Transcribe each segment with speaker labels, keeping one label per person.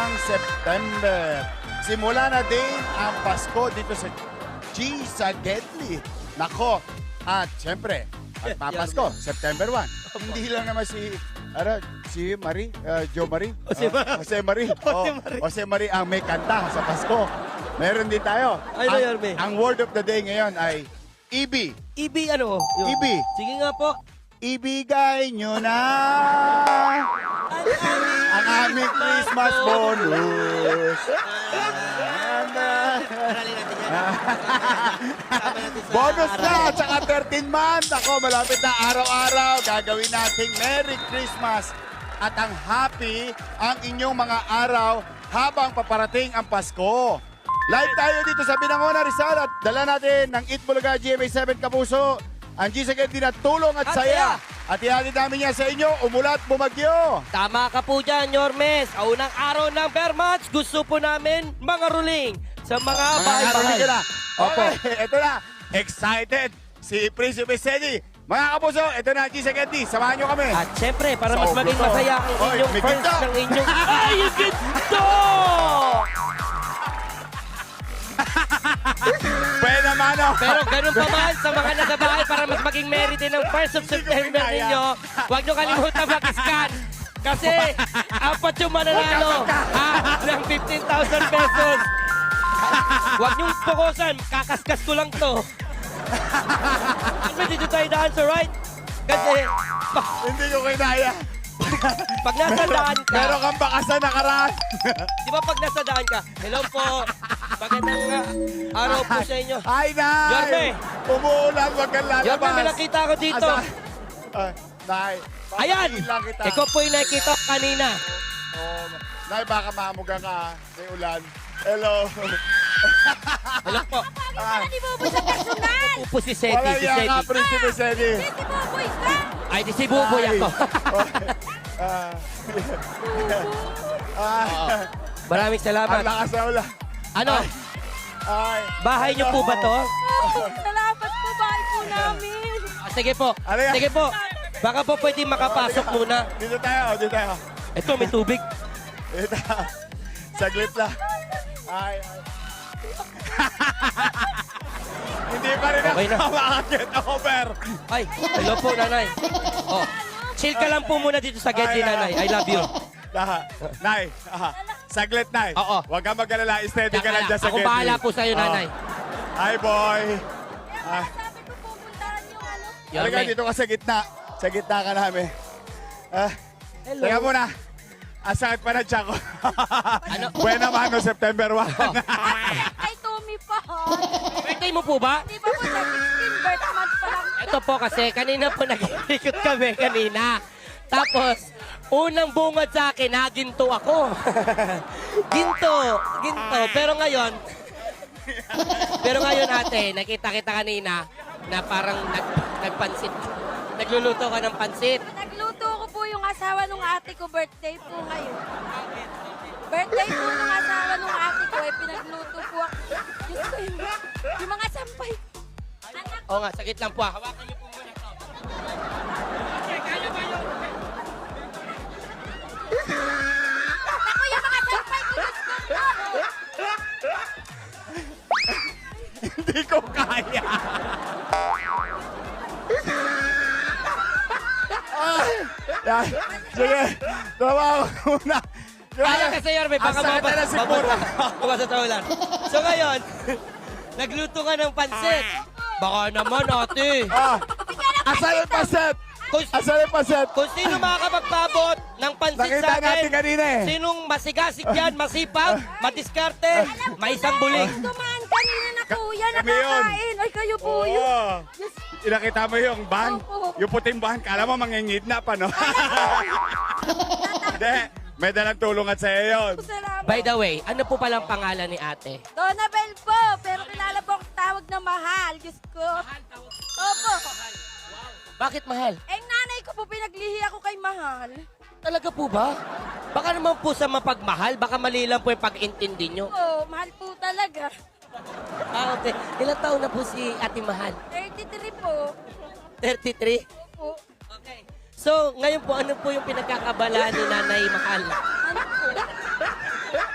Speaker 1: ng September. Simula na din ang Pasko dito sa G sa Gedli. Nako, at syempre, at papasko, September 1. Hindi lang naman si Marie, Jo Marie. Jose Marie. Jose Marie ang may kanta sa Pasko. Meron din tayo.
Speaker 2: Ay, Yorme.
Speaker 1: Ang word of the day ngayon ay EB.
Speaker 2: EB ano?
Speaker 1: EB.
Speaker 2: Sige nga po.
Speaker 1: Ibigay nyo na ang aming Christmas bonus. Bonus na, tsaka 13 months. Ako, malapit na araw-araw. Gagawin nating Merry Christmas at ang happy ang inyong mga araw habang paparating ang Pasko. Live tayo dito sa Binangonan, Rizal at dala natin ng Eat Bulaga GMA7 Kapuso. Ang G sa Gedli na tulong at saya. At ihatid namin yan sa inyo, umulat, bumagyo.
Speaker 2: Tama ka po dyan, Yormes. Sa unang araw ng bear match, gusto po namin mga ruling sa mga bahay-bahay.
Speaker 1: Opo. Okay, ito na. Excited si Prinsipe Sedi. Mga kapuso, ito na ang G sa Gedli. Samahan nyo kami.
Speaker 2: At syempre, para mas
Speaker 1: Sa
Speaker 2: maging
Speaker 1: ulo to.
Speaker 2: masaya ang
Speaker 1: Oy,
Speaker 2: inyong
Speaker 1: may
Speaker 2: first
Speaker 1: ginto.
Speaker 2: ng inyong... Ay, yung ginto!
Speaker 1: Pwede naman, oh.
Speaker 2: Pero ganun pa man sa mga nasa bahay para mas maging merit din ng 1st of September
Speaker 1: kinaya.
Speaker 2: ninyo, huwag nyo kalimutan mag-scan. Kasi apat yung mananalo ng 15,000 pesos. Huwag nyo pukusan, kakaskas ko lang to. Ano dito tayo daan sa right? Kasi
Speaker 1: Hindi ko kinaya.
Speaker 2: pag nasa daan ka,
Speaker 1: Meron kang bakas na nakaraan.
Speaker 2: di ba pag nasa daan ka, hello po, magandang araw po sa inyo.
Speaker 1: Ay, Nay!
Speaker 2: Yorme!
Speaker 1: Umuulan, wag kang lalabas.
Speaker 2: Yorme, may nakita ko dito.
Speaker 1: Nay,
Speaker 2: Ayan!
Speaker 1: papatiin lang kita.
Speaker 2: Ikaw po yung nakikita ko kanina.
Speaker 1: Oh, Nay, baka mamuga ka. May ulan. Hello.
Speaker 2: Hello po.
Speaker 1: Ah,
Speaker 3: Di mo sa personal!
Speaker 2: Upo si Seti,
Speaker 1: wala
Speaker 2: si
Speaker 1: yan nga,
Speaker 2: Seti.
Speaker 1: Prinsipe Sedi.
Speaker 3: Hindi mo boys ka!
Speaker 2: Ay, di si Buboy
Speaker 1: Ay.
Speaker 2: ako.
Speaker 1: Ah. Ah.
Speaker 2: Maraming
Speaker 1: Ang
Speaker 2: salamat.
Speaker 1: lakas na ulan.
Speaker 2: Ano?
Speaker 1: Ay.
Speaker 2: Bahay niyo po ba to?
Speaker 3: Salamat po, bahay po namin!
Speaker 2: Ah, sige po.
Speaker 1: Ano yan?
Speaker 2: Sige po. Baka po pwede makapasok muna.
Speaker 1: Dito tayo, dito tayo.
Speaker 2: Ito, may tubig.
Speaker 1: Dito. Saglit lang. Ay. Hindi pa rin
Speaker 2: Okay na.
Speaker 1: ako makakit over.
Speaker 2: Ay, hello po, nanay. Oh, chill ka lang po muna dito sa Gedli, nanay. I love you.
Speaker 1: Nay, saglit, Nay.
Speaker 2: Oo.
Speaker 1: Huwag kang mag-alala. Steady ka lang dyan sa
Speaker 2: Ako
Speaker 1: Gedli.
Speaker 2: bahala po sa'yo, nanay.
Speaker 1: Hi, boy. Ah.
Speaker 3: Sabi ko pupuntahan yung ano.
Speaker 1: Talaga,
Speaker 2: Yorme.
Speaker 1: dito ka sa gitna. Sa gitna ka namin.
Speaker 2: Hello.
Speaker 1: Teka muna. Ang sakit pa na tiyan ko.
Speaker 2: Ano?
Speaker 1: Buena mano, September 1.
Speaker 3: Ay, Tommy pa!
Speaker 2: Birthday mo po ba?
Speaker 3: Di ba po sa 16 birth month pa lang?
Speaker 2: Ito po kasi, kanina po nag-ikot kami kanina. Tapos, unang bungad sa akin, ginto ako. ginto. Pero ngayon ate, nakita kita kanina na parang nagpansit. Nagluluto ka ng pansit.
Speaker 3: Nagluto ko po yung asawa ng ate ko, birthday po ngayon. Birthday po ng asawa ng ate ko, pinagluto po ako. Diyos ko, yung mga sampay. Anak,
Speaker 2: Oo nga, sakit lang po. Hawakan niyo po muna ito. Okay, kaya ba yun?
Speaker 3: ako yung mga sampay ko, Diyos ko.
Speaker 1: Hindi ko kaya. Yan. Sige, trabaho ko muna.
Speaker 2: Kaya kasi Yorme, baka
Speaker 1: Ang sakit na siguro.
Speaker 2: mabasa. So ngayon, nagluto ka ng pansit. Baka naman ate.
Speaker 1: Asan yung paset?
Speaker 2: Kung,
Speaker 1: Asan yung paset?
Speaker 2: kung sino makakapagpabot ng pansit
Speaker 1: Nakita
Speaker 2: sa akin,
Speaker 1: natin kanina eh.
Speaker 2: sinong masigasig dyan, masipag, madiskarte, may isang buling.
Speaker 3: Dumaan kanina na kuya,
Speaker 1: Kami yun.
Speaker 3: nakakain. Ay, kayo po yun.
Speaker 1: Oo.
Speaker 3: Diyos,
Speaker 1: Inakita mo yung van?
Speaker 3: Opo.
Speaker 1: Yung puting van, kala mo mangingidnap, ano? Hindi, may dalang tulong at sa'yo yun.
Speaker 3: salamat.
Speaker 2: By the way, ano po palang pangalan ni ate?
Speaker 3: Donabel po, pero kilala po akong tawag na mahal. Diyos ko. Opo.
Speaker 2: Bakit mahal?
Speaker 3: Eh, nanay ko po, pinaglihi ako kay mahal.
Speaker 2: Talaga po ba? Baka naman po sa mapagmahal, baka mali lang po yung pag-intindi nyo.
Speaker 3: Oo, mahal po talaga.
Speaker 2: Ah, okay. Ilang taon na po si Ate Mahal?
Speaker 3: 33 po.
Speaker 2: 33?
Speaker 3: Opo.
Speaker 2: Okay. So, ngayon po, ano po yung pinagkakabalaan ni Nanay Mahal?
Speaker 3: Ano po?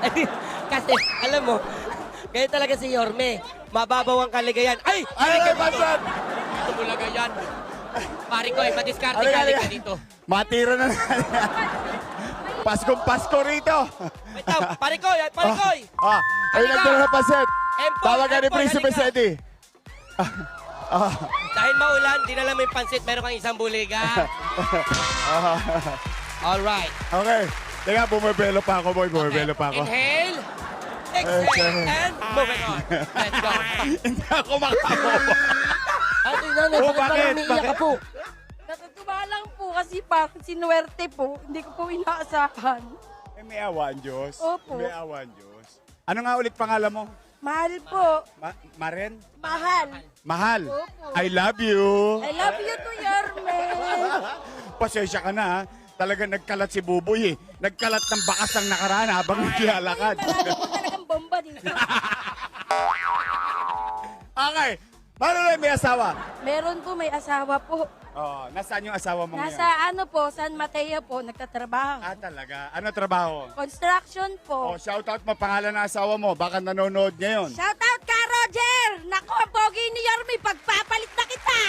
Speaker 2: Kasi, alam mo, kaya talaga si Yorme. Mababaw ang kaligayan. Ay!
Speaker 1: Ay, Pastor!
Speaker 2: Tumulaga yan. Pare ko, madiskarte
Speaker 1: Halika,
Speaker 2: ka
Speaker 1: halika.
Speaker 2: dito.
Speaker 1: Matira na Paskong Pasko rito.
Speaker 2: Wait lang, pare ko,
Speaker 1: Ay,
Speaker 2: Halika.
Speaker 1: nagdala na paset.
Speaker 2: Empoy,
Speaker 1: Tawagan ni
Speaker 2: Empoy,
Speaker 1: Prinsipe
Speaker 2: halika.
Speaker 1: Sedi.
Speaker 2: Dahil maulan, dinala mo yung pansit, meron kang isang buliga. Alright.
Speaker 1: Okay. Teka, bumibelo pa ako, boy. Bumibelo pa ako.
Speaker 2: Inhale. Exhale. And moving on. Let's go.
Speaker 1: Hindi ako makakuha.
Speaker 2: Ate nanay,
Speaker 1: Oh,
Speaker 2: bakit parang
Speaker 1: bakit?
Speaker 2: umiiyak ka
Speaker 1: Bakit?
Speaker 2: po?
Speaker 3: Natutuwa lang po kasi parang sinuwerte po. Hindi ko po inaasahan.
Speaker 1: May awa ang Diyos.
Speaker 3: Opo.
Speaker 1: May awa ang Diyos. Ano nga ulit pangalan mo?
Speaker 3: Mahal po.
Speaker 1: Maren?
Speaker 3: Mahal.
Speaker 1: Mahal.
Speaker 3: Opo.
Speaker 1: I love you.
Speaker 3: I love you to Yorme.
Speaker 1: Pasensya ka na, ha? Talagang nagkalat si Buboy, eh. Nagkalat ng bakas ang nakaraan habang naglalakad.
Speaker 3: Marami po talagang bomba dito.
Speaker 1: Okay. Paano may asawa?
Speaker 3: Meron po, may asawa po.
Speaker 1: Oh, nasaan yung asawa mo ngayon?
Speaker 3: Nasa ano po, San Mateo po, nagtatrabaho.
Speaker 1: Ah, talaga? Ano trabaho?
Speaker 3: Construction po.
Speaker 1: Oh, shoutout mo pangalan ng asawa mo. Baka nanonood ngayon.
Speaker 3: Shout out ka, Roger! Nako, pogi ni Yorme, pagpapalit na kita!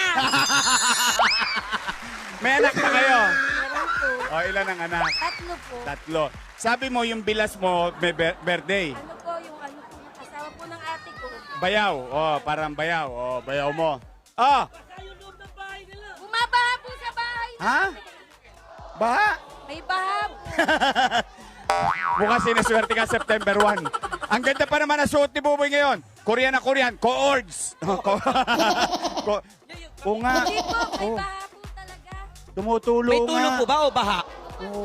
Speaker 1: May anak na kayo?
Speaker 3: Meron po.
Speaker 1: Oh, ilan ang anak?
Speaker 3: Tatlo po.
Speaker 1: Tatlo. Sabi mo yung bilas mo, may birthday.
Speaker 3: Ano po yung asawa po ng ate ko.
Speaker 1: Bayaw. Oh, parang bayaw. Oh, bayaw mo. Oh,
Speaker 3: Bumabaha po sa bahay.
Speaker 1: ha? Baha?
Speaker 3: May baha po.
Speaker 1: Mukhang sinaswerte ka September 1. Ang ganda pa naman ang suot ni Buboy ngayon. Korean na Korean. Co-ords. Oo nga.
Speaker 3: Hindi po, may
Speaker 1: Oh,
Speaker 3: baha po talaga.
Speaker 1: tumutulo
Speaker 2: May
Speaker 1: nga.
Speaker 2: tulog po ba o baha?
Speaker 1: Oo.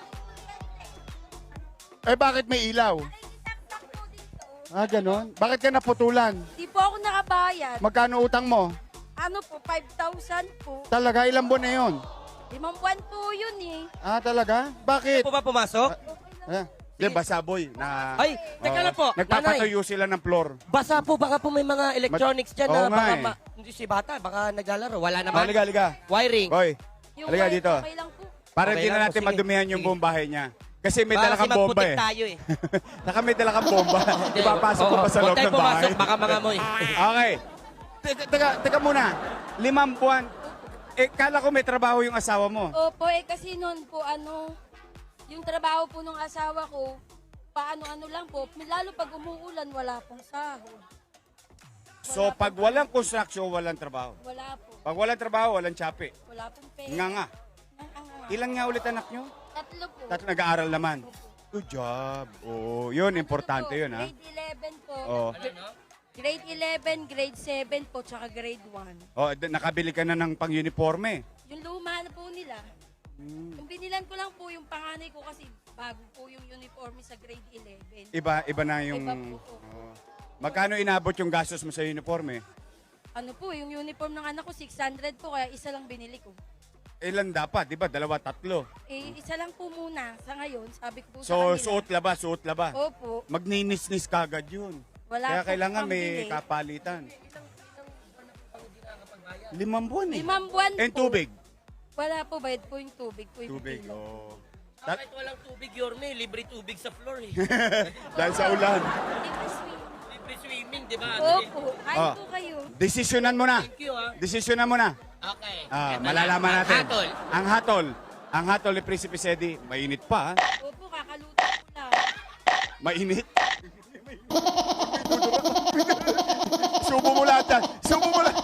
Speaker 1: Eh, bakit may ilaw?
Speaker 3: Ay, isaksak po dito.
Speaker 1: Ah, ganon? Bakit ka naputulan?
Speaker 3: Di po ako nakabayad.
Speaker 1: Magkano utang mo?
Speaker 3: Ano po, 5,000 po.
Speaker 1: Talaga, ilang buwan na yun?
Speaker 3: 5 buwan po yun eh.
Speaker 1: Ah, talaga? Bakit?
Speaker 2: Po ba pumasok?
Speaker 1: Di, basa boy. Na,
Speaker 2: Ay, teka lang po. Nanay,
Speaker 1: Nagpapatuyo sila ng floor.
Speaker 2: basa po, baka po may mga electronics dyan
Speaker 1: Oo
Speaker 2: na
Speaker 1: nga
Speaker 2: baka
Speaker 1: eh.
Speaker 2: hindi si bata, baka naglalaro. Wala
Speaker 1: Oh,
Speaker 2: naman.
Speaker 1: liga, liga.
Speaker 2: Wiring.
Speaker 1: Boy,
Speaker 3: Yung
Speaker 1: halika
Speaker 3: wife,
Speaker 1: dito.
Speaker 3: Okay lang po.
Speaker 1: Para
Speaker 2: Okay
Speaker 1: hindi na
Speaker 2: lang po,
Speaker 1: natin
Speaker 2: sige.
Speaker 1: madumihan yung
Speaker 2: Sige.
Speaker 1: buong bahay niya. Kasi may
Speaker 2: Baka
Speaker 1: dala
Speaker 2: kasi
Speaker 1: kang bomba
Speaker 2: magputik
Speaker 1: eh.
Speaker 2: tayo eh.
Speaker 1: Naka may dala kang bomba. Ipapasok ko pa sa loob
Speaker 2: Huwag tayo
Speaker 1: ng bahay.
Speaker 2: pumasok, baka mga moy.
Speaker 1: Okay. Teka muna. 5 buwan. Eh, kala ko may trabaho yung asawa mo.
Speaker 3: Opo, eh kasi noon po yung trabaho po ng asawa ko, paano-ano lang po, lalo pag umuulan, wala pong sahod.
Speaker 1: So, pag walang construction, walang trabaho.
Speaker 3: Wala po.
Speaker 1: Pag walang trabaho, walang tsapi.
Speaker 3: Wala pong pera.
Speaker 1: Nga nga.
Speaker 3: Ang-
Speaker 1: Ilan nga ulit anak nyo?
Speaker 3: Tatlo po.
Speaker 1: Nag-aaral naman. Good job. Oh, yun, importante
Speaker 3: Tatlo po.
Speaker 1: yun, ha?
Speaker 3: Grade 11 po.
Speaker 1: Oh.
Speaker 3: Grade 11, grade 7 po, tsaka grade 1.
Speaker 1: Oh, nakabili ka na ng pang-uniforme.
Speaker 3: Yung luma na po nila. Yung binilan ko lang po yung panganay ko kasi bago po yung uniforme sa grade 11.
Speaker 1: Iba na yung...
Speaker 3: Iba po.
Speaker 1: Oh. Magkano inabot yung gastos mo sa uniforme?
Speaker 3: Ano po, yung uniform ng anak ko, 600 po, kaya isa lang binili ko.
Speaker 1: Ilan dapat, di ba? 2, 3.
Speaker 3: Eh, isa lang po muna sa ngayon, sabi ko po sa
Speaker 1: So,
Speaker 3: kanila.
Speaker 1: suot laba.
Speaker 3: Opo.
Speaker 1: Magninis-nis kagad yun.
Speaker 3: Wala
Speaker 1: Kaya
Speaker 3: po
Speaker 1: kailangan
Speaker 3: pambili.
Speaker 1: may kapalitan. 5 buwan eh.
Speaker 3: 5 buwan
Speaker 1: And
Speaker 3: po.
Speaker 1: tubig.
Speaker 3: Wala po, bayad po yung tubig po. Yung
Speaker 1: Tubig,
Speaker 3: pipila.
Speaker 1: oh.
Speaker 2: Kahit walang tubig, Yorme, libre tubig sa floor eh.
Speaker 1: Dahil sa ulan.
Speaker 3: Libre swim.
Speaker 2: Libre swimming, di ba?
Speaker 3: Opo, kain
Speaker 1: Ah.
Speaker 3: po kayo.
Speaker 1: Desisyonan mo na.
Speaker 2: Thank you ah.
Speaker 1: Desisyonan mo na.
Speaker 2: Okay.
Speaker 1: Ah,
Speaker 2: Eto
Speaker 1: malalaman
Speaker 2: na.
Speaker 1: natin.
Speaker 2: Hatol.
Speaker 1: Ang hatol ni Prinsipe Sedi, mainit pa, ha?
Speaker 3: Opo, kakaluto ko lang.
Speaker 1: Mainit. Subo mo lahat yan. Subo mo lahat.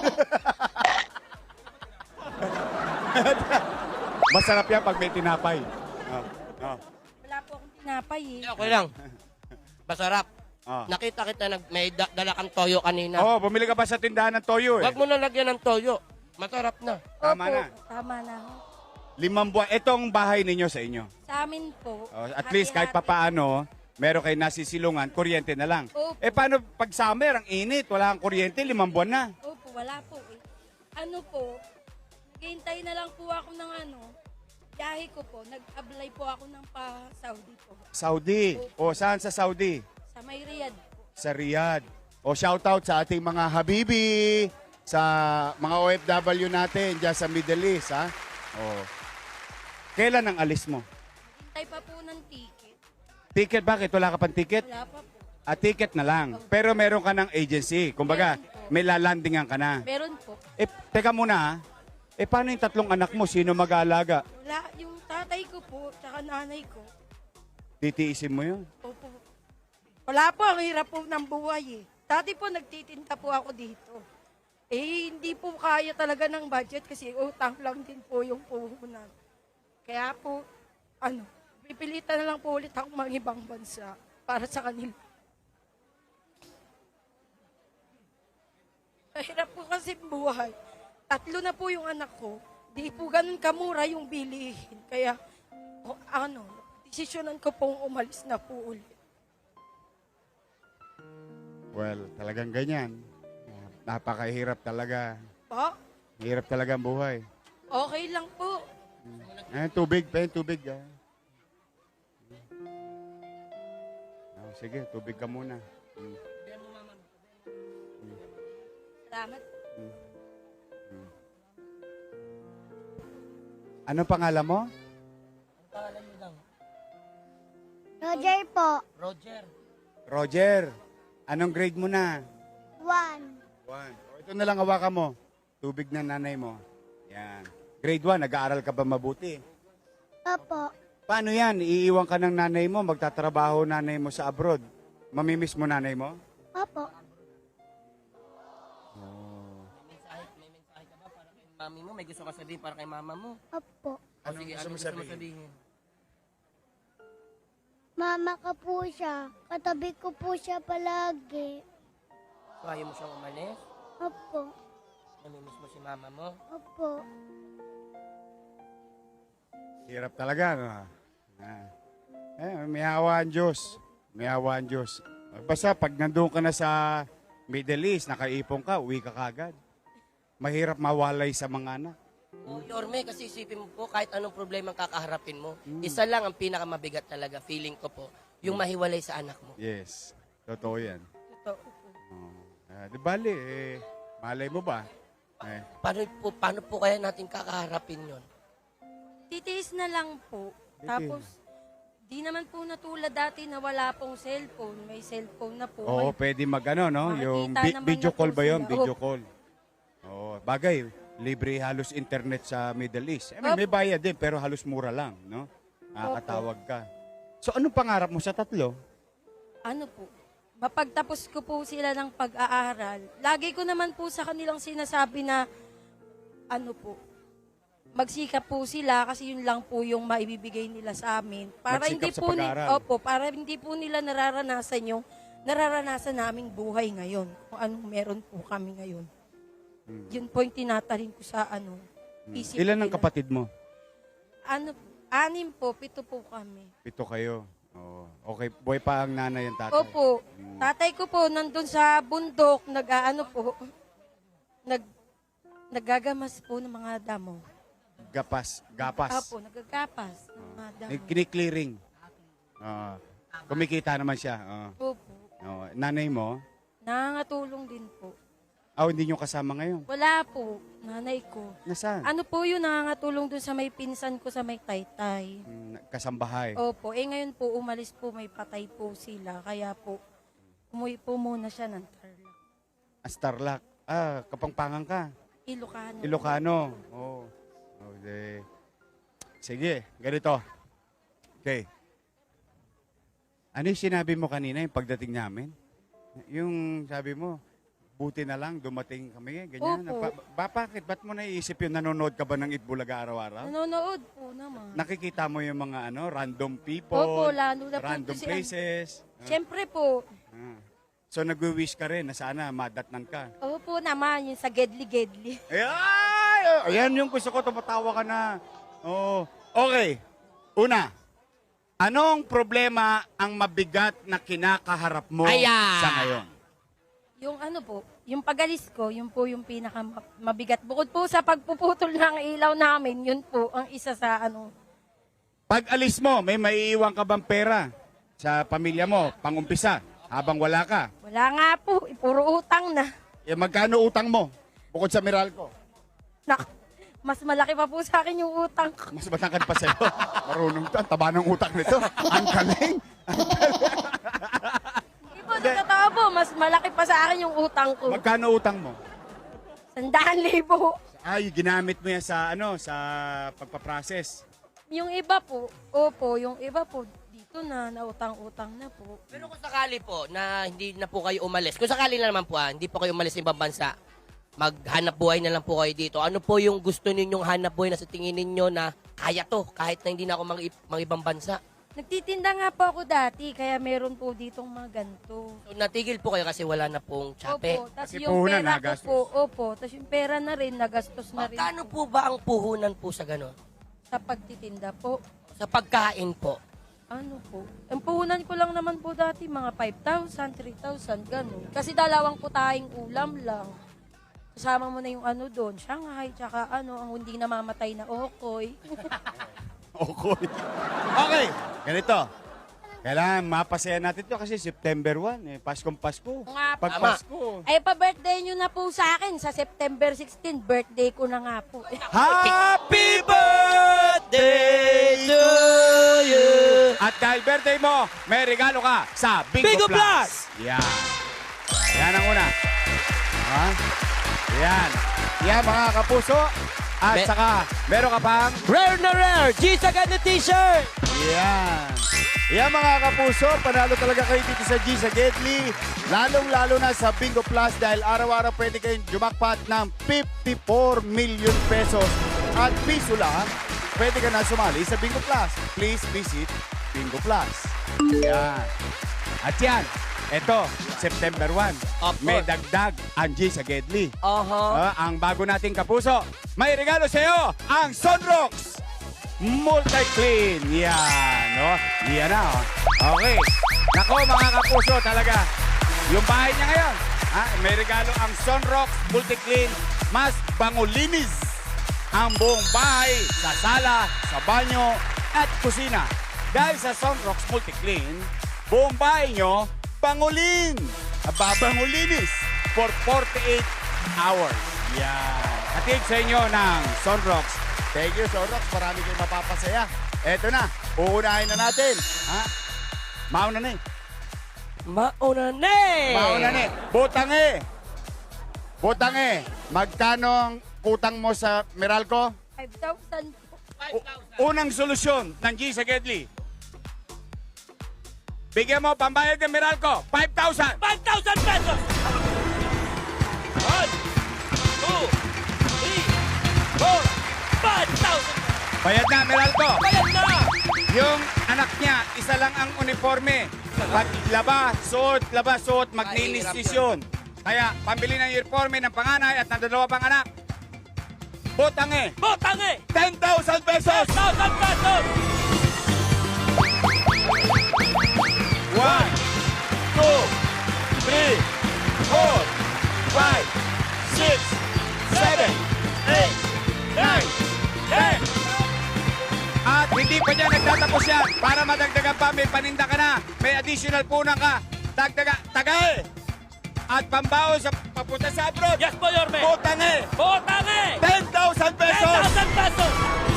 Speaker 1: Masarap yan pag may tinapay. Oh.
Speaker 3: Wala po akong tinapay eh.
Speaker 2: Okay lang. Masarap.
Speaker 1: Oh.
Speaker 2: Nakita kita may dala kang toyo kanina.
Speaker 1: Oh, bumili ka ba sa tindahan ng toyo eh?
Speaker 2: Huwag mo na lagyan ng toyo. Masarap na.
Speaker 1: Tama
Speaker 3: Opo,
Speaker 1: na.
Speaker 3: Tama na.
Speaker 1: 5 buwan. Itong bahay ninyo sa inyo.
Speaker 3: Sa amin po.
Speaker 1: Oh, at least kahit
Speaker 3: hati-hati.
Speaker 1: papaano, meron kayo nasisilungan, kuryente na lang.
Speaker 3: Opo.
Speaker 1: Eh paano pag summer, ang init, wala kang kuryente, 5 buwan na.
Speaker 3: Opo, wala po eh. Ano po, naghihintay na lang po ako ng biyahe ko po. Nag-apply po ako ng pa-Saudi po.
Speaker 1: Saudi. O saan sa Saudi?
Speaker 3: Sa may Riyadh po.
Speaker 1: Sa Riyadh. O shoutout sa ating mga habibi, sa mga OFW natin dyan sa Middle East, ha? O. Kailan ang alis mo?
Speaker 3: Hintay pa po ng ticket.
Speaker 1: Ticket, bakit? Wala ka pang ticket?
Speaker 3: Wala pa po.
Speaker 1: Ticket na lang. Pero meron ka ng agency. Kumbaga, may lalandingan ka na.
Speaker 3: Meron po.
Speaker 1: Teka muna ha. Paano yung tatlong anak mo? Sino mag-aalaga?
Speaker 3: Wala, yung tatay ko po, tsaka nanay ko.
Speaker 1: Titiisin mo yun?
Speaker 3: Opo. Wala po, ang hirap po ng buhay eh. Dati po nagtitinda po ako dito. Hindi po kaya talaga ng budget kasi utang lang din po yung puhunan. Kaya po, pipilitan na lang po ulit ako mag-ibang bansa para sa kanila. Mahirap po kasi buhay. 3 na po yung anak ko. Di po ganun kamura yung bilihin. Kaya, desisyonan ko pong umalis na po ulit.
Speaker 1: Well, talagang ganyan. Napakahirap talaga.
Speaker 3: Po?
Speaker 1: Hirap talaga ang buhay.
Speaker 3: Okay lang po.
Speaker 1: Tubig, tubig. Sige, tubig ka muna.
Speaker 3: Salamat.
Speaker 1: Anong pangalan mo?
Speaker 2: Ang pangalan mo lang?
Speaker 4: Roger po.
Speaker 2: Roger.
Speaker 1: Roger. Anong grade mo na?
Speaker 4: 1.
Speaker 1: 1. Ito na lang hawakan mo. Tubig na nanay mo. Yan. Grade 1, nag-aaral ka ba mabuti?
Speaker 4: Opo.
Speaker 1: Paano yan? Iiwan ka ng nanay mo, magtatrabaho nanay mo sa abroad. Mamimiss mo nanay mo?
Speaker 4: Opo.
Speaker 2: May mensahe ka ba para kay mami mo? May gusto ka sabihin para kay mama mo?
Speaker 4: Opo.
Speaker 2: Sige, ano gusto mo sabihin?
Speaker 4: Mama ka po siya. Katabi ko po siya palagi.
Speaker 2: So, ayaw mo siyang umalis?
Speaker 4: Opo.
Speaker 2: Namimiss mo si mama mo?
Speaker 4: Opo.
Speaker 1: Hirap talaga, no? May hawa ang Diyos. May hawa ang Diyos. Basta pag nandun ka na sa Middle East, nakaipon ka, uwi ka kagad. Mahirap mawalay sa mga anak.
Speaker 2: Yorme, kasi isipin mo po, kahit anong problema ang kakaharapin mo, isa lang ang pinakamabigat talaga, feeling ko po, yung mahiwalay sa anak mo.
Speaker 1: Yes. Totoo yan.
Speaker 3: Totoo po.
Speaker 1: Di bali, malay mo ba?
Speaker 2: Paano po kaya natin kakaharapin yon?
Speaker 3: Titiis na lang po. Tapos, di naman po natulad dati na wala pong cellphone. May cellphone na po.
Speaker 1: Oo, pwede mag-ano, no?
Speaker 3: Makikita
Speaker 1: Yung
Speaker 3: naman
Speaker 1: video
Speaker 3: na po
Speaker 1: call ba yun?
Speaker 3: sila.
Speaker 1: Video call. Oo, bagay. Libre halos internet sa Middle East. May bayad din, pero halos mura lang, no? Nakakatawag ka. So, anong pangarap mo sa 3?
Speaker 3: Ano po? Mapagtapos ko po sila ng pag-aaral. Lagi ko naman po sa kanilang sinasabi na, magsikap po sila kasi yun lang po yung maibibigay nila sa amin. Para
Speaker 1: Magsikap
Speaker 3: hindi
Speaker 1: sa
Speaker 3: po
Speaker 1: pag-aaral.
Speaker 3: para hindi po nila nararanasan yung nararanasan naming buhay ngayon. Kung anong meron po kami ngayon. Yun po yung tinatarin ko sa isip
Speaker 1: Ilan ang
Speaker 3: nila.
Speaker 1: kapatid mo?
Speaker 3: 6 po, 7 po kami.
Speaker 1: 7 kayo. Oo. Okay, buhay pa ang nanay ang tatay.
Speaker 3: Opo. Tatay ko po nandun sa bundok, naggagamas po ng mga damo.
Speaker 1: Gapas.
Speaker 3: Opo, naggagapas ng mga damo.
Speaker 1: Kini-clearing. Kumikita naman siya.
Speaker 3: Opo.
Speaker 1: Nanay mo?
Speaker 3: Nangangatulong din po.
Speaker 1: Hindi nyo kasama ngayon.
Speaker 3: Wala po, nanay ko.
Speaker 1: Nasaan?
Speaker 3: Ano po yun, nangangatulong dun sa may pinsan ko sa may taytay.
Speaker 1: Kasambahay.
Speaker 3: Opo, ngayon po, umalis po, may patay po sila. Kaya po, umuwi po muna siya ng Tarlac.
Speaker 1: Starlac. Kapangpangan ka.
Speaker 3: Ilocano.
Speaker 1: Ilocano. Oo. Okay. Sige, ganito. Okay. Ano yung sinabi mo kanina yung pagdating namin? Yung sabi mo, buti na lang, dumating kami, ganyan.
Speaker 3: Opo.
Speaker 1: Bakit? Ba't mo naiisip yung nanonood ka ba ng Itbulaga araw-araw?
Speaker 3: Nanonood po naman.
Speaker 1: Nakikita mo yung mga random people,
Speaker 3: Opo, lalo na po
Speaker 1: random
Speaker 3: kasi
Speaker 1: places.
Speaker 3: Siyempre po.
Speaker 1: So nagwi-wish ka rin na sana madatnan ka.
Speaker 3: Opo naman, yung sa gedli-gedli.
Speaker 1: Ayan yung gusto ko, tumatawa ka na. Oh. Okay. Una, anong problema ang mabigat na kinakaharap mo sa ngayon?
Speaker 3: Yung yung pag-alis ko, yun po yung pinakamabigat. Bukod po sa pagpuputol ng ilaw namin, yun po ang isa sa
Speaker 1: Pag alis mo, may maiiwan ka bang pera sa pamilya mo, pangumpisa, habang wala ka?
Speaker 3: Wala nga po, puro utang na.
Speaker 1: Magkano utang mo? Bukod sa Meralco.
Speaker 3: Mas malaki pa po sa akin yung utang ko.
Speaker 1: Mas matangkad pa sa'yo. Marunong to. Ang taba ng utak nito. Ang galing.
Speaker 3: Hindi po, sa totoo po, mas malaki pa sa akin yung utang ko.
Speaker 1: Magkano utang mo?
Speaker 3: 100,000.
Speaker 1: Ay, ginamit mo yan sa sa pagpaprocess.
Speaker 3: Yung iba po, opo, yung iba po, dito na, nautang-utang na po.
Speaker 2: Pero kung sakali po na hindi na po kayo umalis, kung sakali na naman po hindi po kayo umalis sa ibang bansa, maghanap buhay na lang po kayo dito. Ano po yung gusto ninyong hanap buhay na sa tingin ninyo na kaya to, kahit na hindi na ako mga ibang bansa?
Speaker 3: Nagtitinda nga po ako dati, kaya meron po ditong mga ganito.
Speaker 2: So, natigil po kayo kasi wala na pong tsape.
Speaker 3: Opo, tapos
Speaker 1: Kasi
Speaker 3: yung
Speaker 1: puhunan,
Speaker 3: pera ko
Speaker 1: nagastos.
Speaker 3: po, opo, tapos yung pera na rin, nagastos na rin
Speaker 2: Magkano
Speaker 3: po
Speaker 2: po ba ang puhunan po sa gano'n?
Speaker 3: sa pagtitinda po.
Speaker 2: Sa pagkain po?
Speaker 3: Ano po? Ang puhunan ko lang naman po dati, mga 5,000, 3,000, gano'n. Kasi dalawang putahing ulam lang. Kasama mo na yung ano doon, Shanghai, tsaka ano, ang hindi namamatay na okoy.
Speaker 1: Okay. Ganito. Kailangan mapasaya natin to kasi September 1, Paskong Pasko.
Speaker 3: Nga po.
Speaker 1: Pag Pasko.
Speaker 3: Ay, pa-birthday nyo na po sa akin. Sa September 16, birthday ko na nga po.
Speaker 1: Happy birthday to you! At dahil birthday mo, may regalo ka sa Bingo,
Speaker 2: Bingo
Speaker 1: Plus.
Speaker 2: Plus!
Speaker 1: Yan. Yan ang una. Ha? Yan. Yan mga kapuso. At saka, meron ka pang
Speaker 2: Rare na rare! G-Sagad na t-shirt!
Speaker 1: yan. Yan mga kapuso, panalo talaga kayo dito sa G sa Gedli. Lalong-lalo na sa Bingo Plus dahil araw-araw pwede kayong jumakpat ng 54 million pesos. At piso lang, pwede ka na sumali sa Bingo Plus. Please visit Bingo Plus. Yan. At yan, eto, September 1,
Speaker 2: Of
Speaker 1: may
Speaker 2: course.
Speaker 1: dagdag ang G sa Gedli. Ang bago nating kapuso, may regalo sa iyo ang Sunrocks Multi-Clean. Yan, no? Yan na, oh. Okay. Nako, mga kapuso, talaga. Yung bahay niya ngayon, may regalo ang Sunrocks Multi-Clean. Mas bangulinis ang buong bahay, sa sala, sa banyo, at kusina. Dahil sa Sunrocks Multi-Clean, buong bahay nyo, bangulin. Babangulinis for 48 hours. Yan. Hatid sa inyo ng Sunrocks. Thank you, Sunrocks. Marami kayong mapapasaya. Eto na, uunahin na natin. Mauna na eh.
Speaker 2: Mauna na eh!
Speaker 1: Mauna na eh. Butange. Butange. Magkano ang utang mo sa Meralco?
Speaker 3: 5,000 po.
Speaker 1: Unang solusyon ng G sa Gedli. Bigyan mo pambayad ng Meralco, 5,000.
Speaker 2: 5,000 pesos! 1, 2, 3, 4, 5,000!
Speaker 1: Bayad na, Meralco.
Speaker 2: Bayad na!
Speaker 1: Yung anak niya, isa lang ang uniforme. Pag laba, suot, maglinis yun. Kaya, pambili ng uniforme ng panganay at ng dalawa pang anak. Butange,
Speaker 2: Botange!
Speaker 1: 10,000 pesos.
Speaker 2: 10,000 pesos!
Speaker 1: 1, 2, 3, 4, 5, 6, 7, 8, 9, 10. At hindi pa niya nagtatapos yan. Para madagdagan pa, may paninda ka na. May additional punang ka. Tagay. At pambaon sa papunta sa abroad.
Speaker 2: Yes po, Yorme!
Speaker 1: Butange,
Speaker 2: Botange!
Speaker 1: 10,000 pesos.
Speaker 2: 10,000 pesos!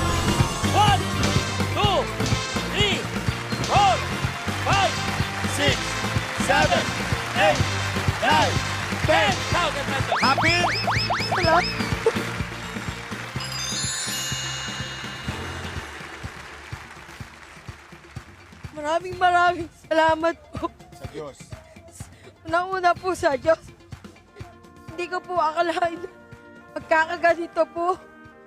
Speaker 2: 1, 2, 3, 4, 5,
Speaker 1: 6, 7, 8, 9, 10.
Speaker 2: 10,000 pesos!
Speaker 1: Happy?
Speaker 3: Maraming salamat po.
Speaker 1: Sa Diyos.
Speaker 3: Unang-una po sa Diyos. Hindi ko po akalain na magkakaganito po.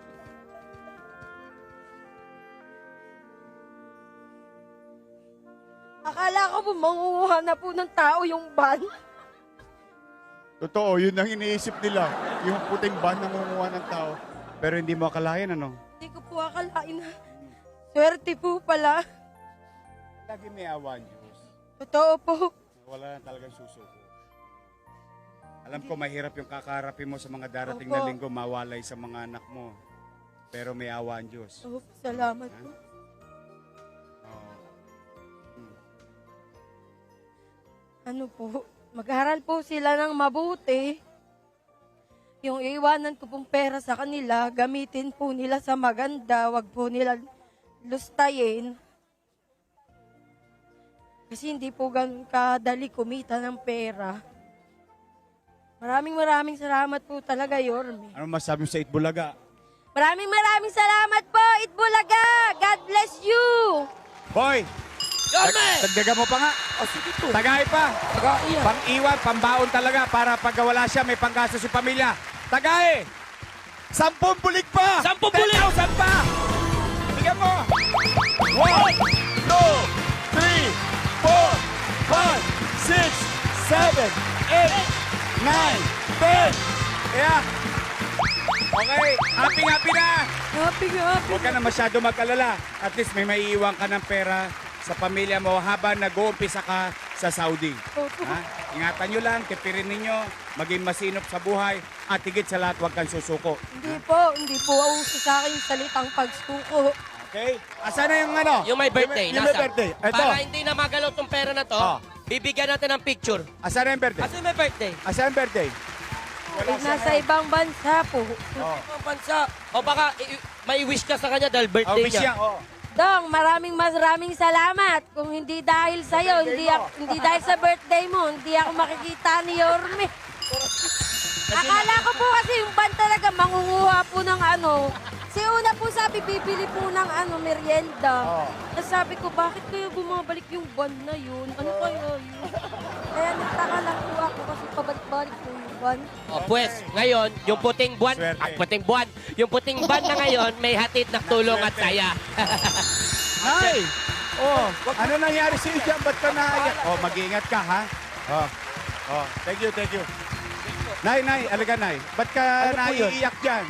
Speaker 3: Akala ko po mangunguha na po ng tao yung van.
Speaker 1: Totoo, yun ang iniisip nila. Yung puting ban na nangunguha ng tao. Pero hindi mo akalain, ano?
Speaker 3: Hindi ko po akalain na swerte po pala.
Speaker 1: Lagi may awa ang Diyos.
Speaker 3: Totoo po.
Speaker 1: Wala na talagang susuko. Alam ko, mahirap yung kakarapin mo sa mga darating
Speaker 3: Opo.
Speaker 1: na linggo, mawalay sa mga anak mo. Pero may awa ang Diyos.
Speaker 3: Oh, salamat po.
Speaker 1: Oo.
Speaker 3: Ano po, mag-aral po sila ng mabuti. Yung iwanan ko pong pera sa kanila, gamitin po nila sa maganda, wag po nila lustayin. Kasi hindi po ganun kadali kumita ng pera. Maraming salamat po talaga, Yorme.
Speaker 1: Ano masabi mo sa Itbulaga?
Speaker 3: Maraming salamat po, Itbulaga! God bless you!
Speaker 1: Boy!
Speaker 2: Yorme!
Speaker 1: Dagdagan mo pa nga.
Speaker 2: Oh, sige po.
Speaker 1: Tagay pa.
Speaker 2: Tagayan.
Speaker 1: Pang-iwan, pambaon talaga para pagka wala siya, may panggastos si pamilya. Tagay! 10 bulig pa!
Speaker 2: 10 bulig!
Speaker 1: 10,000 pa! Bigyan mo! 1, 2, 3, 4, 5, 6, 7, 8, 9, 10. Kaya, okay, happy na!
Speaker 3: Happy.
Speaker 1: Huwag ka na masyado mag-alala. At least may maiiwan ka ng pera sa pamilya mo habang nag-uumpisa ka sa Saudi. Ha? Ingatan nyo lang, tipirin ninyo, maging masinop sa buhay, at higit sa lahat, huwag kang susuko.
Speaker 3: Hindi po uso sa akin yung salitang pagsuko.
Speaker 1: Okay? Asa na yung ano?
Speaker 2: Yung may birthday,
Speaker 1: Yung may
Speaker 2: nasa?
Speaker 1: birthday. Ito.
Speaker 2: Para hindi na magalaw tong pera na to,
Speaker 1: Oh.
Speaker 2: bibigyan natin ng picture.
Speaker 1: Asa na yung birthday?
Speaker 2: Kasi may birthday.
Speaker 1: Asa yung birthday? Wala siya
Speaker 3: Nasa
Speaker 1: ngayon.
Speaker 3: ibang bansa po.
Speaker 1: Oh.
Speaker 2: Ang bansa. O baka may wish ka sa kanya dahil
Speaker 1: Oh,
Speaker 2: birthday
Speaker 1: wish
Speaker 2: niya.
Speaker 1: yan. Oh.
Speaker 3: Dong, maraming salamat. Kung hindi dahil sa'yo, hindi dahil sa birthday mo, hindi ako makikita ni Yorme. Akala ko po kasi yung ban talaga mangunguha po ng ano. Si una po sabi, bibili po ng merienda.
Speaker 1: Oh.
Speaker 3: Tapos sabi ko, bakit kayo bumabalik yung ban na yun? Ano kaya yun? Kaya nagtaka lang po ako kasi pabalik-balik po yung ban.
Speaker 2: O pues, ngayon, yung puting buwan,
Speaker 1: Swerte.
Speaker 2: yung puting buwan na ngayon, may hatid na tulong at saya.
Speaker 1: Nay! Oh, ano nangyari sa'yo dyan? Ba't ka naiyak? Oh, mag-iingat ka, ha? Oh. Oh, thank you. Nay, alaga, Nay. Ba't ka
Speaker 2: Ano po yun?
Speaker 1: naiiyak dyan?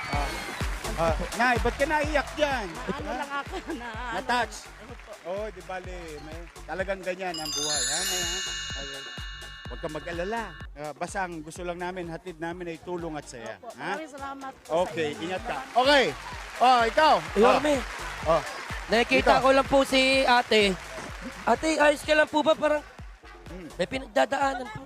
Speaker 1: Nay, ba't ka naiiyak dyan?
Speaker 5: Ano lang ako na...
Speaker 1: Na-touch? Oh, di bale. Talagang ganyan ang buhay, ha? Nay, ha? Okay. Huwag kang mag-alala. Basta ang gusto lang namin, hatid namin ay tulong at saya.
Speaker 5: Opo,
Speaker 1: Ha?
Speaker 5: maraming salamat po
Speaker 1: Okay,
Speaker 5: sa inyo.
Speaker 1: ingat ka. Okay. Oh, ikaw.
Speaker 2: Yorme,
Speaker 1: Oh.
Speaker 2: nakikita
Speaker 1: Dito.
Speaker 2: ko lang po si ate. Ate, ayos ka lang po ba? Parang may pinagdadaanan po.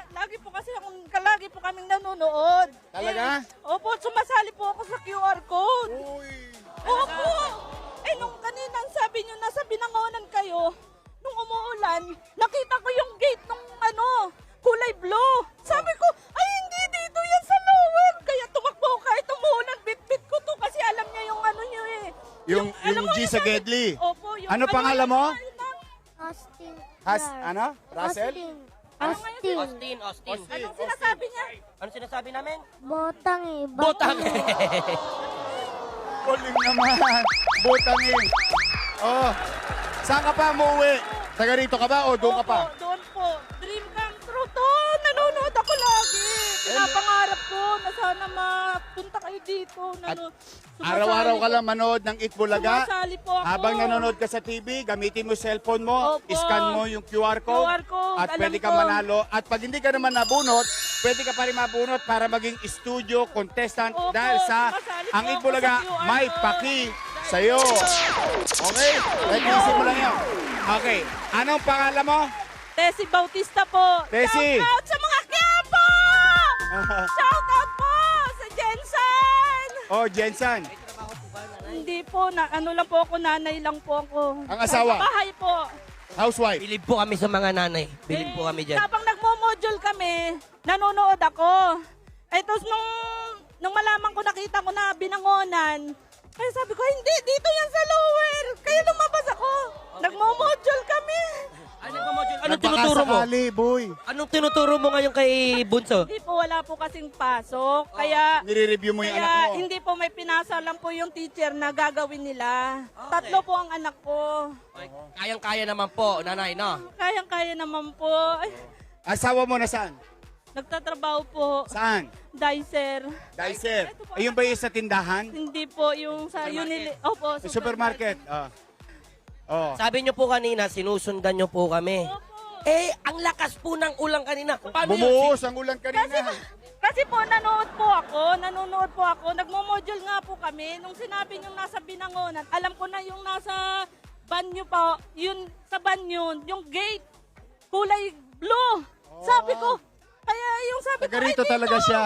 Speaker 5: Lagi po kaming nanonood.
Speaker 1: Talaga?
Speaker 5: Opo, sumasali po ako sa QR code.
Speaker 1: Uy.
Speaker 5: Opo. Nung kanina sabi nyo, nasa Binangonan kayo, nung umuulan, nakita ko yung gate nung kulay blue. Sabi ko, ay hindi dito yan sa lower. Kaya tumakbo kahit umuulan, bit-bit ko to kasi alam niya yung nyo eh.
Speaker 1: Yung
Speaker 5: alam mo
Speaker 1: G
Speaker 5: yung
Speaker 1: sa
Speaker 5: sabi-
Speaker 1: Gedli.
Speaker 5: Opo. Yung,
Speaker 1: Ano pangalan mo?
Speaker 4: Austin.
Speaker 1: Russell?
Speaker 4: Austin.
Speaker 2: Austin.
Speaker 5: Anong sinasabi niya?
Speaker 2: Ano sinasabi namin?
Speaker 4: Botang eh.
Speaker 2: Butang.
Speaker 1: Kuling naman. Butang eh. Oh. Saan ka pa umuwi? Taga rito ka ba o doon ka pa?
Speaker 5: Opo, doon po. Dream come true to. Nanonood ako lagi. Pinapangarap ko na sana mapunta kayo dito.
Speaker 1: Araw-araw ka lang manood ng Itbulaga.
Speaker 5: Sumasali po ako.
Speaker 1: Habang nanonood ka sa TV, gamitin mo cellphone mo,
Speaker 5: Opo.
Speaker 1: scan mo yung QR code,
Speaker 5: QR code,
Speaker 1: at
Speaker 5: alam
Speaker 1: pwede ka
Speaker 5: ko.
Speaker 1: manalo. At pag hindi ka naman nabunot, pwede ka pa rin mabunot para maging studio contestant
Speaker 5: Opo,
Speaker 1: dahil sa
Speaker 5: sumasali po
Speaker 1: ang
Speaker 5: ako
Speaker 1: Itbulaga
Speaker 5: sa QR
Speaker 1: may
Speaker 5: code.
Speaker 1: paki sa'yo. Okay? Nag-iisip mo lang yun. Okay. Anong pangalan mo?
Speaker 5: Tessie Bautista po.
Speaker 1: Tessie.
Speaker 5: Shout out sa mga Quiapo! Shout out po sa Jensen!
Speaker 1: Oh, Jensen.
Speaker 5: Hindi po, lang po ako, nanay lang po ako.
Speaker 1: Ang asawa?
Speaker 5: Sa bahay po.
Speaker 1: Housewife.
Speaker 2: Bilib po kami sa mga nanay. Bilib po kami dyan.
Speaker 5: Habang nagmo-module kami, nanonood ako. Tapos nung malaman ko, nakita ko na Binangonan, kaya sabi ko, hindi, dito yan sa lower. Kaya lumabas ako. Nagmo-module kami.
Speaker 2: Anong tinuturo mo?
Speaker 1: Nagpakasakali, boy.
Speaker 2: Anong tinuturo mo ngayon kay Bunso?
Speaker 5: Hindi po, wala po kasing pasok. Kaya
Speaker 1: Nire-review mo yung anak
Speaker 5: Kaya
Speaker 1: mo.
Speaker 5: hindi po may pinasa lang po yung teacher na gagawin nila. 3 po ang anak ko.
Speaker 2: Kayang-kaya naman po, nanay, no?
Speaker 5: Kayang-kaya naman po. Ay,
Speaker 1: Asawa mo na saan?
Speaker 5: nagtatrabaho po.
Speaker 1: Saan?
Speaker 5: Dicer.
Speaker 1: Dicer. Ayun ba yung sa tindahan?
Speaker 5: Hindi po yung sa Unili. Opo,
Speaker 1: Sa supermarket. Oh.
Speaker 2: Sabi nyo po kanina, sinusundan nyo po kami. Eh, ang lakas po ng ulang kanina. Paano yun?
Speaker 1: Bumuhos ang ulan kanina.
Speaker 5: Kasi po, nanonood po ako. Nagmo-module nga po kami. Nung sinabi nyo nasa Binangonan, alam ko na yung nasa banyo pa, yun, sa banyo, yung gate, kulay blue. Sabi ko, kaya yung sabi ko,
Speaker 1: Taga rito
Speaker 5: ay, dito.
Speaker 1: talaga siya.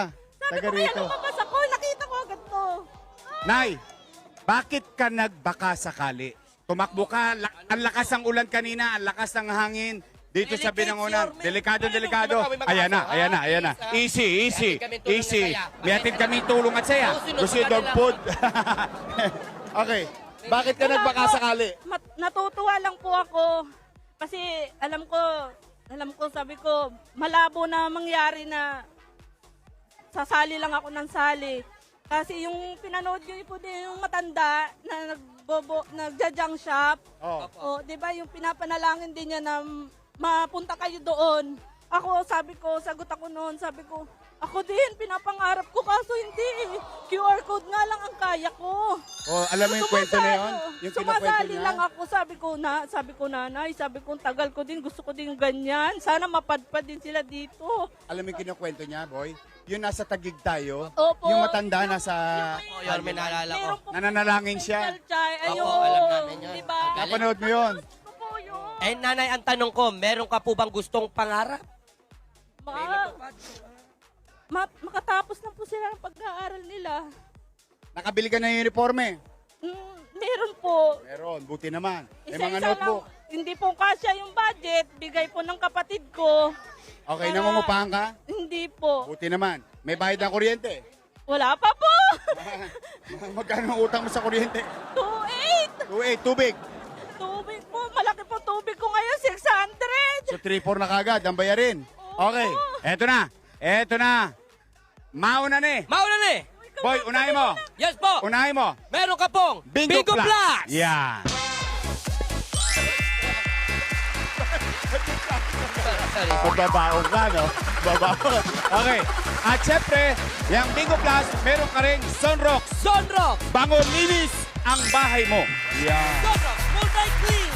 Speaker 5: Sabi
Speaker 1: Taga
Speaker 5: ko, kaya
Speaker 1: rito.
Speaker 5: lumabas ako, nakita ko agad to.
Speaker 1: Nay, bakit ka nagbaka sakali? Tumakbo ka, ang lakas ng ulan kanina, ang lakas ng hangin dito sa
Speaker 2: Delicate,
Speaker 1: Binangonan.
Speaker 2: Yorme.
Speaker 1: Delikado,
Speaker 2: Ano
Speaker 1: delikado.
Speaker 2: naman kami mag-aso,
Speaker 1: Ayan na,
Speaker 2: ha?
Speaker 1: ayan na, ayan na. Easy, easy,
Speaker 2: May atid kami tulong
Speaker 1: easy.
Speaker 2: at saya.
Speaker 1: May atid kami tulong at saya.
Speaker 2: Susunod
Speaker 1: Gusto
Speaker 2: sa
Speaker 1: yung dog
Speaker 2: kanila.
Speaker 1: food. Okay, bakit ka
Speaker 5: Wala
Speaker 1: nagbaka
Speaker 5: po.
Speaker 1: sakali?
Speaker 5: Natutuwa lang po ako. Kasi alam ko, sabi ko, malabo na mangyari na sasali lang ako ng sali. Kasi yung pinanood ko po din yung matanda na nagja-junk shop.
Speaker 1: Oh.
Speaker 5: O, di ba yung pinapanalangin din niya na mapunta kayo doon. Ako, sagot ako noon, sabi ko, ako din, pinapangarap ko kaso hindi. QR code nga lang ang kaya ko.
Speaker 1: Oh, alam mo yung kwento na yun? Yung kinukwento
Speaker 5: Sumasali
Speaker 1: niya?
Speaker 5: lang ako, sabi ko nanay, sabi ko tagal ko din, gusto ko din ganyan. Sana mapadpad din sila dito.
Speaker 1: Alam mo yung kinukwento niya, boy? Yung nasa Tagig tayo,
Speaker 5: Opo.
Speaker 1: yung matanda nasa...
Speaker 2: Oh, Yorme, naalala ko.
Speaker 5: Meron pong
Speaker 1: Nananalangin siya.
Speaker 5: special child. Ayun,
Speaker 2: Opo, alam namin yun.
Speaker 5: Diba?
Speaker 1: Napanood mo yun?
Speaker 5: Gusto ko yun.
Speaker 2: Eh, nanay, ang tanong ko, meron ka po bang gustong pangarap?
Speaker 5: Makatapos na po sila ng pag-aaral nila.
Speaker 1: Nakabili ka na yung uniforme?
Speaker 5: Meron po.
Speaker 1: Meron, buti naman. May
Speaker 5: Isa-isa
Speaker 1: mga
Speaker 5: lang.
Speaker 1: notebook.
Speaker 5: Hindi po kasya yung budget. Bigay po ng kapatid ko.
Speaker 1: Okay,
Speaker 5: Para-
Speaker 1: nangungupahan ka?
Speaker 5: Hindi po.
Speaker 1: Buti naman. May bayad ng kuryente.
Speaker 5: Wala pa po.
Speaker 1: Magkano ang utang mo sa kuryente?
Speaker 5: 2,800.
Speaker 1: 2.8, tubig.
Speaker 5: Tubig po. Malaki po tubig ko ngayon. 600.
Speaker 1: So 3-4 na kagad, ang bayarin. Okay, eto na. Eto na. Mauna ni.
Speaker 2: Mauna ni!
Speaker 1: Boy, unahin mo.
Speaker 2: Yes po!
Speaker 1: Unahin mo.
Speaker 2: Meron ka pong
Speaker 1: Bingo,
Speaker 2: Plus!
Speaker 1: Yan. Babaon ka, no? Babaon. Okay. At syempre, yung Bingo Plus, meron ka rin Sunrock.
Speaker 2: Sunrock!
Speaker 1: Bango linis ang bahay mo. Yan.
Speaker 2: Sunrock Multi-Clean!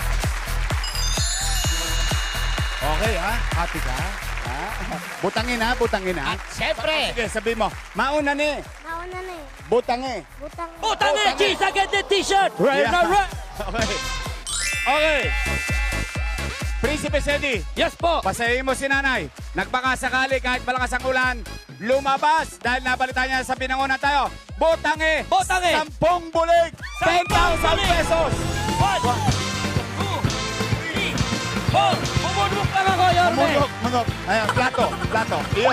Speaker 1: Okay, ha? Happy ka? Ha? Butangin, ha? Butangin, ha?
Speaker 2: At syempre,
Speaker 1: Sige, sabi mo. Mauna ni.
Speaker 4: Mauna na eh.
Speaker 1: Butangi.
Speaker 4: Butang.
Speaker 2: utang ni Cheese Agad the T-shirt!
Speaker 1: Right
Speaker 2: Right na right!
Speaker 1: Okay. Okay. Prinsipe Sedi,
Speaker 2: Yes po!
Speaker 1: pasayin mo si nanay. Nagbaka sakali kahit malakas ang ulan, lumabas dahil nabalita niya sa Binangonan tayo. Botangi!
Speaker 2: Botangi!
Speaker 1: 10 bulig! 10,000 pesos!
Speaker 2: 1, 2, 3, 4! Pumunok lang ako, Yorme!
Speaker 1: Mungok, mungok. Ayan, plato, plato. Iyon.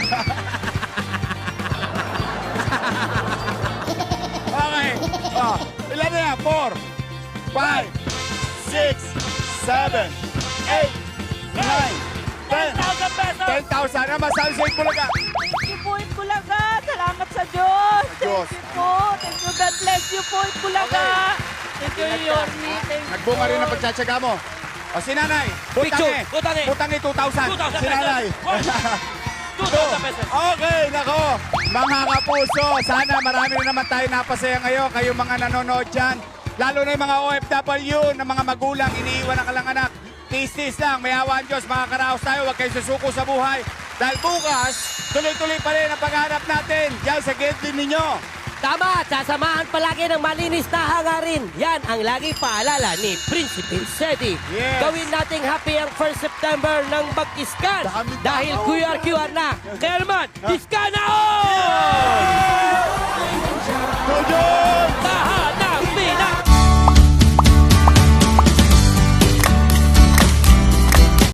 Speaker 1: Okay. Oh, ilan na yan? 4, 5, 6, 7, 8, 9, 10.
Speaker 2: 10,000 pesos!
Speaker 1: 10,000 na masabi sa Bulaga.
Speaker 5: Thank you po, Itbulaga. Salamat sa Diyos.
Speaker 1: Diyos.
Speaker 5: Thank you po. Thank you. God bless you po, Itbulaga. Thank you, Yormi. Thank you.
Speaker 1: Nagbunga rin ang pagtsatsaga mo. O si nanay,
Speaker 2: Picture,
Speaker 1: butangi.
Speaker 2: butangi.
Speaker 1: Butangi 2,000.
Speaker 2: 2,000
Speaker 1: Si nanay.
Speaker 2: 2,000 pesos!
Speaker 1: Okay, nako. Mga kapuso, sana marami na naman tayo napasaya ngayon. Kayo mga nanonood dyan. Lalo na yung mga OFW na mga magulang, iniiwan ng kalang anak. Tis-tis lang, may awa ang Diyos. Mga karaos tayo, huwag kayo susuko sa buhay. Dahil bukas, tuloy-tuloy pa rin ang paghanap natin dyan sa gate din ninyo.
Speaker 2: Tama, at sasamahan palagi ng malinis na hangarin. Yan ang lagi paalala ni Prinsipe Sedi.
Speaker 1: Yes.
Speaker 2: Gawin nating happy ang 1st September ng mag-iskan.
Speaker 1: Dami
Speaker 2: Dahil
Speaker 1: tao.
Speaker 2: QR na. Kaya naman, iskan na!
Speaker 1: Tudyong!
Speaker 2: Tahan!